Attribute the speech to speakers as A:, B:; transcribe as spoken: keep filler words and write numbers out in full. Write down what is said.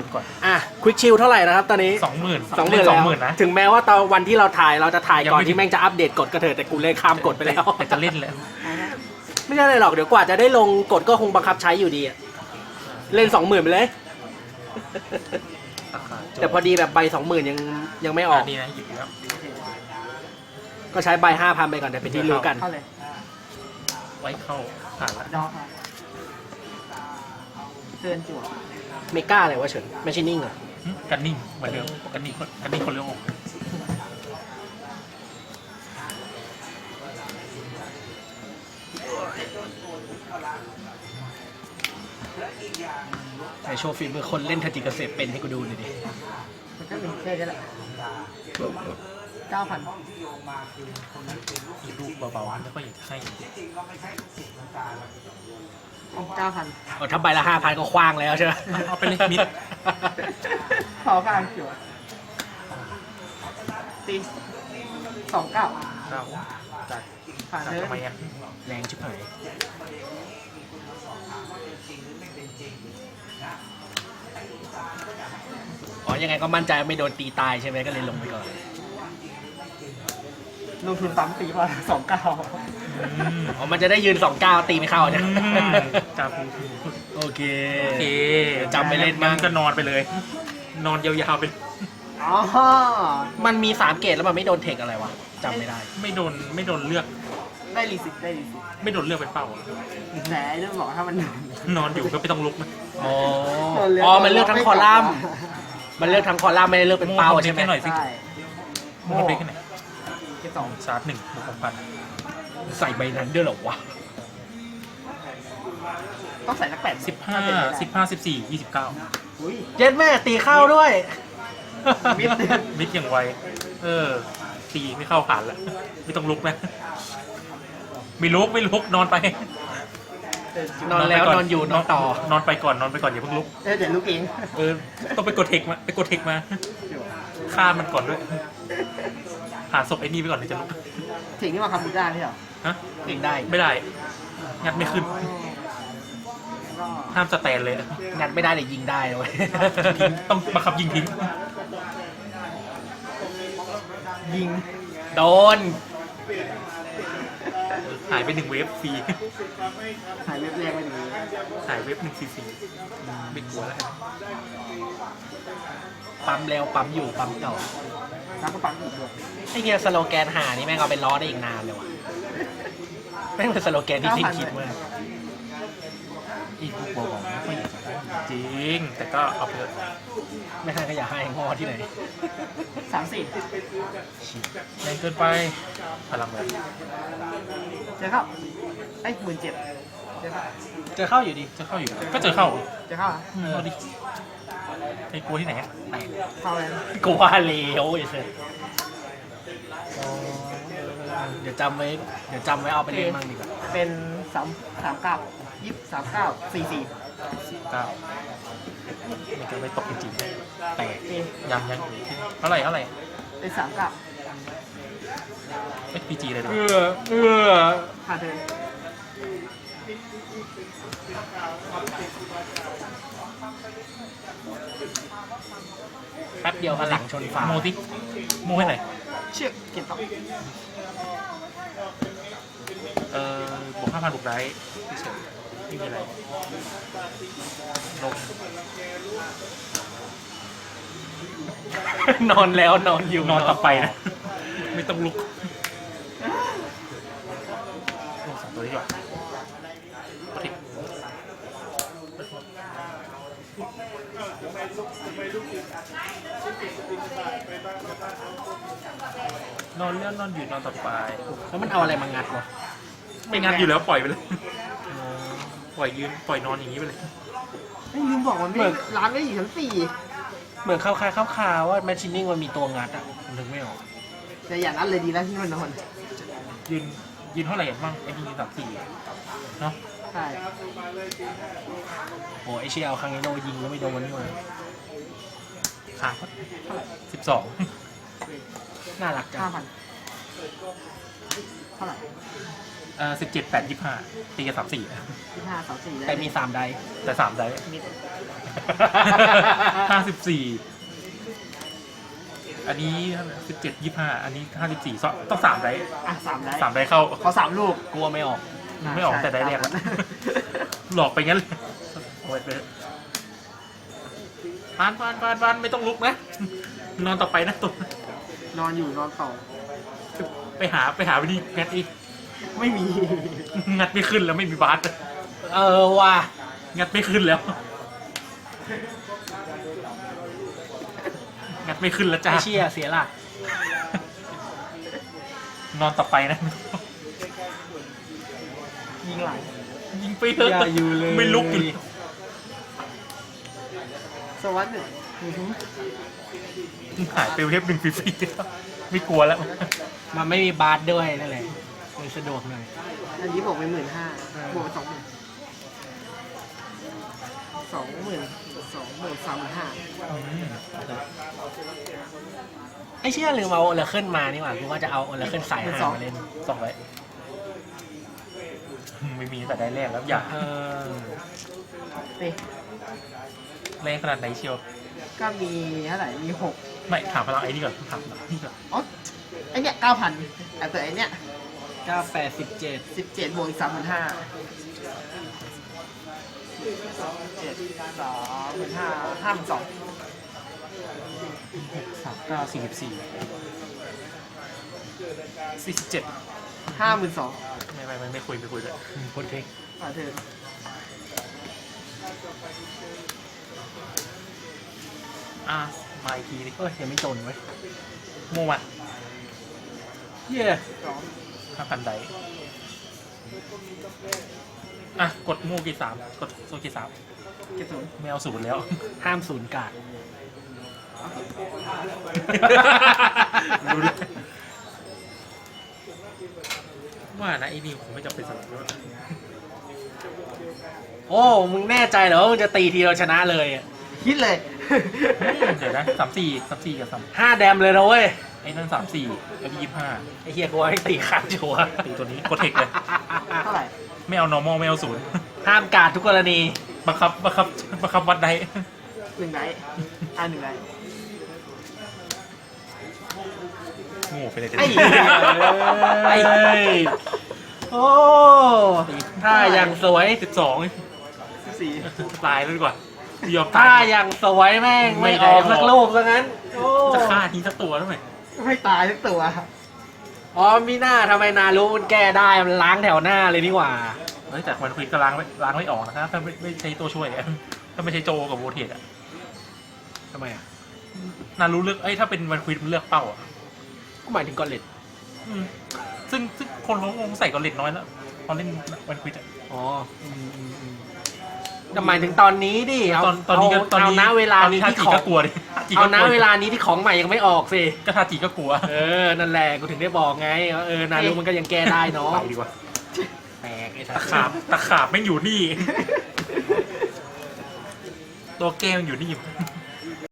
A: ก่อน
B: อ่ะควิกชิลเท่าไหร่นะครับตอนนี้
A: สองหมื่น
B: สองหมื่น
A: สอ
B: แล้
A: ง
B: ว
A: หมื่นนะ
B: ถึงแม้ว่าตอนวันที่เราถ่ายเราจะถ่าย
A: ยัง
B: ก่อน
A: ไม่
B: ที่แม่งจะอัปเดตกฎก็เถอะแต่กูเลยข้ามกฎไปแล้ว
A: แต่จะเล่นแล้ว
B: ไม่ใช่เลยหรอกเดี๋ยวกว่าจะได้ลงกฎก็คงบังคับใช้อยู่ดีอะเล่นสองหมื่นไปเลย แต่พอดีแบบใบสองหมื่นยังยังไม่ออก
A: นี่นะหยิบแล้ว
B: ก็ใช้ใบห้าพันไปก่อนแต่เป็นที่รู้กัน
C: เข้าเลย
A: ไว้เข้าผ่านละ
C: ดอกเตือนจั่ว
B: เมกาอะไรวะเฉินแมชชีนิ่งเหรอ
A: หึกันนิ่งเหมือนเดิมกันนิ่งคนกันนิ่งคนเลี้ยงอก
B: ใส่โชว์ฟิล์มคนเล่นทจิเกษตรเป็นให้กูดูหน่อยดิ
C: มันก็เป็นแค่นี้แหละเก้าพัน
A: อีกลูกเบาๆแล้วก็อยากจะให้
C: เก้าพัน
B: เอาถ้าใบละห้าพันก็คว้างแล้วใช่ไหม
A: เอาไปเลยมิด
C: ขอการจั่วตีสองเก้า
A: เก้าจัด
C: ผ่าน
A: จัด
C: เลย
A: ทำไมอ่ะ
B: แรงชิบหายอ๋อยังไงก็มั่นใจว่าไม่โดนตีตายใช่ไหมก็เลยลงไปก่อน
C: ลงทุนปั๊มตีมาสองเก้า
A: อืม
B: อ๋อมันจะได้ยืนสองเก้าตีไม่เข้าใช่ไหม
A: อืมจับ
B: โอเค
A: โอเค
B: จำไปเล่นบ้าง
A: ก็นอนไปเลย นอนยาวๆไป
C: อ๋อ
B: มันมีสามเกตแล้วมันไม่โดนเทคอะไรวะจำไม่ได้
A: ไม่โดนไม่โดนเลือก
C: ได้รีสิตได้รีสิต
A: ไม่โดนเลือกเป็นเป้าอะ
C: แต่เรื่องบอกถ้ามัน
A: นอนอยู่ก็ไม่ต้องลุกนะ
B: อ๋อ อ๋อ มันเลือกทั้งคอลัมน์ มันเลือกทั้งคอลัมน์ไม่ได้เลือกเป็นเป้าใช่ไหม
A: โม่ทำเด็กให้หน่อยสิ
C: ใช่
A: โม่เด็กให้หน่อย
C: เก็บสอง
A: ชาร์จหนึ่งบวกหกพัน
B: ใส่ใบนั้นด้วยเหรอวะ
C: ต้องใส่สักแปด
A: สิบห้าสิบห้าสิบสี่ยี่สิบเก้า
C: อุ้ย
B: เจ็ดแม่ตีเข้าด้วย
C: มิด
A: มิดอย่างไว เออตีไม่เข้าผ่านแล้ว ไม่ต้องลุกนะ ไม่ลุกไม่ลุกนอนไป
B: นอนแล้ว
A: ไปก่
B: นอนอยู่นอนต่อ
A: นอนไปก่อนนอนไปก่อนอย่าเพิ่งลุก
C: เออเดี๋ยวลูกเอง
A: เออ ต้องไปกดเทคมาไปกดเทคมาฆ่ามันก่อนด้วยหาศพไอ้นี่ไปก่อนเดี๋ยวจะลุก
C: ถึงนี่มาคำบูด้านี่เหรอ
A: ฮะ
B: เองได้
A: ไม่ได้ งัดไม่ขึ้น
C: ก็
A: ห้ามสแตนเลย
B: งัดไม่ได้แต่ยิงได้เลย
A: ยิงต้องบังคับยิงทิ้ง
C: ยิง
B: โดน
A: หายไปหนึ่งเวฟฟรี
C: หายเว็บแรกไปดี
A: หายเวฟหนึ่งซีซีไม่กลัวแล้วกัน
B: ปั๊มแล้วปั๊มอยู่ปั๊มต่อ
C: แล้วก็ปั๊มอีกด้วย
B: ไอ้เฮียสโลแกนหานี่แม่งเอาไปล้อได้อีกนานเลยว่ะแม่งเป็นสโลแกนที่ทิ้งคิดมาก
A: อีกพวกบอกบอกไม่ค่อยอยากจะได้จริง แต่ก็เอาไปเถอะ
B: ไม่ให้ก็อย่าให้งอที่ไหน
C: สามสี่
A: แรงเกินไปพลังเลย
C: เจอเข้าไอ้หมื่นเจ็ดเจอเข้า
B: เจอเข้าอยู่ดี
A: จะเข้าอยู่ก็เจอเข้า
C: เจอเข้าอ่ะ
A: อืมเอาดิไอ้กลัวที่ไหนอะแตก
C: เข้าเลย
B: กูว่าเลวไอ้เสยเดี๋ยวจำไว้ เดี๋ยวจำไว้เอาไปเล่นมั่งดีกว่า
C: เป็นสามสามเก้ายี่สิบสามเก้าสี่สี่
A: เก้ามันจะไม่ตกจริงๆแตก
C: เอ
A: ยังยังเท่าไหร่เท่าไหร่
C: เป็นสามเก้า
A: เอ็กพีจีเลยเหรอ
B: เอื้อเอื้อ
C: ผ่านเธอ
B: แป๊บเดียวพลังชนฝา
A: โมติโมให้หน่อย
C: เชือกเก็บต่อ
A: เอ่อบวกห้าพันบวกได้เฉยไม่มีอะไรลง
B: นอนแล้วนอนอยู่
A: นอนต่อไปนะ ไม่ต้องลุกลงสองตัวนี้ก่อนโอเคนอนเลื่อนนอนอยู่นอนต่อไป
B: แล้วมันเอาอะไรมางัดวะ
A: ไม่งั้นอยู่แล้วปล่อยไปเลย ปล่อยยืนปล่อยนอนอย่างนี้ไปเลย
C: ไม่ลืมบอกมันไม่ร้านไม่อยู่ชั้นสี่
B: เหมือนเข้าคายเข้าคาว่าแมชชีนิ่งมันมีตัวงัดอ่ะผมนึกไม่ออก
C: แต่อย่างนั้นเลยดีแล้วที่มันนอน
A: ยืนยืนเท่าไหร่บ้างไอ้นี่ยืนสามสี่เนาะ
C: ใช่
B: โอ้ไอเชียเอาคังเอโนยิงแล้วไม่โดนนี่หว่า
A: ขาสิบสอง
B: น่ารักจั
C: ห้าง พันเท่าไหร่
A: เอ่อสิบเจ็ดแปดยี่ห้าตีกันสามสี่
C: ที่ห้าสองสี่
B: แต่มีสามได
A: แต่สามได้
C: มิด
A: ห้าสิบสี่อันนี้สิบเจ็ดยี่ห้าอันนี้ห้าสิบสี่ต้องสามได้
C: อ่ะสามได้
A: สามได้เข้า
C: ขอสามลูก
B: กลัวไม่ออก
A: ไม่ออกแต่ได้แรกแล้ว หลอกไปงั้นเลยโอ้ยไปปานปานปานปานไม่ต้องลุกนะ นอนต่อไปนะตัวน
C: อนอยู่นอนต่อ
A: ไปหาไปหาวิธีงัดอีก
C: ไม่มี
A: งัดไม่ขึ้นแล้วไม่มีบาส
B: เออว่ะ
A: งัดไม่ขึ้นแล้ว งัดไม่ขึ้นแล้วจ้า
B: ไอเชี่ยเสียหลัก
A: นอนต่อไปนะ
C: ยิงไหล
A: ยิงไปเถอะ
B: อย่าอยู่เลย
A: ไม่ลุกอยู่
C: สวัสดีอือหือ
A: หายไปเทปหนึ่งฟรีๆแล้วไม่กลัวแล้ว
B: มันไม่มีบาร์ด้วยนั่นแหละเลยสะดวกหน่อย
C: อันนี้บวกไปหมื่นห้าบวกไปสองหมื่นสองหมื่นสองหมื่นสามหมื่นห้า
B: ไอเชี่ยลืมเอาโอลาเคิลมานี่หว่ากูว่าจะเอาโอลาเคิลใส่ห้ามาเล่น
A: สองไว้ไม่มีแต่ได้แรกแล้วอย่า
B: เออ
C: เฮ้ย
A: แรงขนาดไหนเชียว
C: ก็มีเท่าไหร่มีหก
A: ไม่ถามพลังไอ้นี่ก่อนถามพลังนี่ก่อน
C: อ๋อไอเนี้ยเก้าพันแต่ไอเนี้ย
B: เก้าแปดสิบเจ็ด
C: สิบเจ็ดบวกอีกสามหมื่นห้าเจ็ดสองหมื่นห้าห้าหมื่นสอง
A: สามเก้าสี่สิบสี่สี่สิบเจ็ด
C: ห้าหมื่นสอง
A: ไม่ไม่ไม่ไม่คุยไม่คุยเลย
B: โคตรเทค
C: อ่าเธอ
A: อ่ะมาอีกทีดิ
B: เอ้ยยังไม่จนเว้ย
A: โมวัน
B: เย่
C: สอง
A: ห้าพันไดอ่ะกดโม่กี่สามกดโซกี่สาม
C: เจ็ดศูนย์
A: ไม่เอาศูนย์แล้ว
B: ห้ามศูนย์กาด
A: รู้เลยว่านะไอ้นี่ผมไม่จำเป็นสำหรับด้วย
B: โอ้มึงแน่ใจเหรอว่ามึงจะตีทีเราชนะเลยอะ
C: คิดเลย
A: เดี๋ยวนะสามสี่สามสี่กับสาม
B: ห้าแดมเลยนะเว้ย
A: ไอ้นั่นสามสี่แล้วยี่ห้า
B: ไอเฮียกูว่าให้ตีขาดชัวร์
A: ตีตัวนี้กดเทคเลย
C: เท่าไหร่
A: ไม่เอา normal ไม่เอาศูนย์
B: ห้ามกาดทุกกรณี
A: บังคับบังคับบังคับวัดได้
C: หนึ่งไดอ่าหนึ่งได
A: โง่ไปเลย
B: ไอ้เหี้ยไอ้โอ้ท่าอย่างสวย
A: สิบสอง
C: สิบสี่
A: ตายแล้วดีกว่า ยอม
B: ท่า
A: ตาย
B: อย่างสวยแม่ง
A: ไม่
B: ไม่
A: ได้
B: ออก
A: ออก
B: สักลูกซะงั้นโอ้
A: จะฆ่าทิ้งสักตัวทำไม
C: ไม่ตายทุกตัว
B: อ๋อมีหน้าทำไมนารู้มันแก้ได้มันล้างแถวหน้าเลยนี่หว่า
A: เฮ้ยแต่มันคุยก็ล้างไม่ล้างไม่ออกนะครับถ้าไม่ไม่ใช้ตัวช่วยอะถ้าไม่ใช่โจกับโวเทตอะ
B: ทำไมอ่ะ
A: นารู้เลือกเอ้ยถ้าเป็นวันคุยมันเลือกเป้าอะ
B: ก็หมายถึงกอลเลต
A: อืมซึ่งซึ่งคนเขาคงใส่กอลเลตน้อยแล้วพอเล่นวันคุยอะ
B: อ๋ออืมอืมอืมแต่หมายถึงตอนนี้ดิเอา
A: ตอนตอนนี้ก็
B: เอา
A: ตอนนี้
B: เอาณเวลา
A: ตอน
B: นี้
A: นี้ถ้า
B: ที่
A: จี
B: ของ
A: ก็กลัวดิจี
B: เอา
A: ก็
B: ณ
A: กลัว
B: เวลานี้ที่ของใหม่ยังไม่ออกสิ
A: ก็ถ้าจีก็กลัว
B: เออนั่นแหละกูถึงได้บอกไงว่าเออนารู้มันก็ยังแก้ได้เนาะ
A: ไปดีกว่า
B: แปลกไอ้สั
A: ตะ
B: ส
A: ขาบตะขาบไม่งอยู่นี่ ตัวแก้วอยู่นี่